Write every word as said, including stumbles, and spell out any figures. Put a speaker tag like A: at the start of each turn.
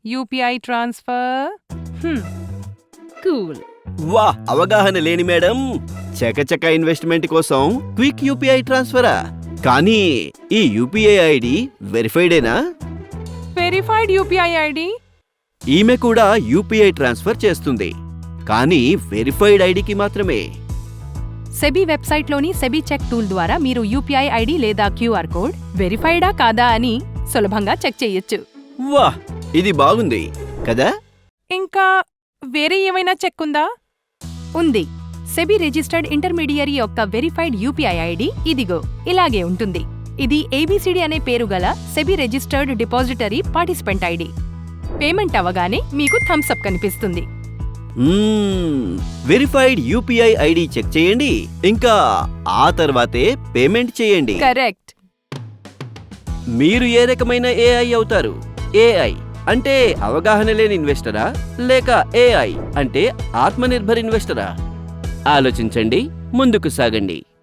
A: UPI transfer. Cool.
B: వా, అవగాహన లేని మేడం. చకచక ఇన్వెస్ట్మెంట్ కోసం క్విక్ యూపీఐ ట్రాన్స్ఫరా? కానీ ఈ యూపీఐ ఐడి వెరిఫైడేనా?
A: Verified UPI ID.
B: ఈమె కూడా యూపీఐ ట్రాన్స్ఫర్ చేస్తుంది, కానీ వెరిఫైడ్ ఐడికి మాత్రమే.
A: సెబీ వెబ్సైట్లోని సెబీ చెక్ టూల్ ద్వారా మీరు యూపీఐ ఐడి లేదా క్యూఆర్ కోడ్ వెరిఫైడా కాదా అని సులభంగా చెక్ చేయొచ్చు.
B: వా, ఇది బాగుంది కదా?
A: ఇంకా వేరే ఏమైనా చెక్ ఉందా? ఉంది. సెబీ రిజిస్టర్డ్ ఇంటర్మీడియరీ యొక్క వెరిఫైడ్ యూపీఐ ఐడి ఇదిగో ఇలాగే ఉంటుంది. ఇది ఏబీసీడీ అనే పేరు గల SEBI registered depository participant ID. Payment అవగానే మీకు థమ్స్ అప్ కనిపిస్తుంది.
B: వెరిఫైడ్ యూపీఐ ఐడి చెక్ చేయండి, ఇంకా ఆ తర్వాతే పేమెంట్ చేయండి.
A: కరెక్ట్.
B: మీరు ఏ రకమైన ఏఐ అవుతారు? ఏఐ అంటే అవగాహన లేని ఇన్వెస్టరా, లేక ఏఐ అంటే ఆత్మనిర్భర్ ఇన్వెస్టరా? ఆలోచించండి, ముందుకు సాగండి.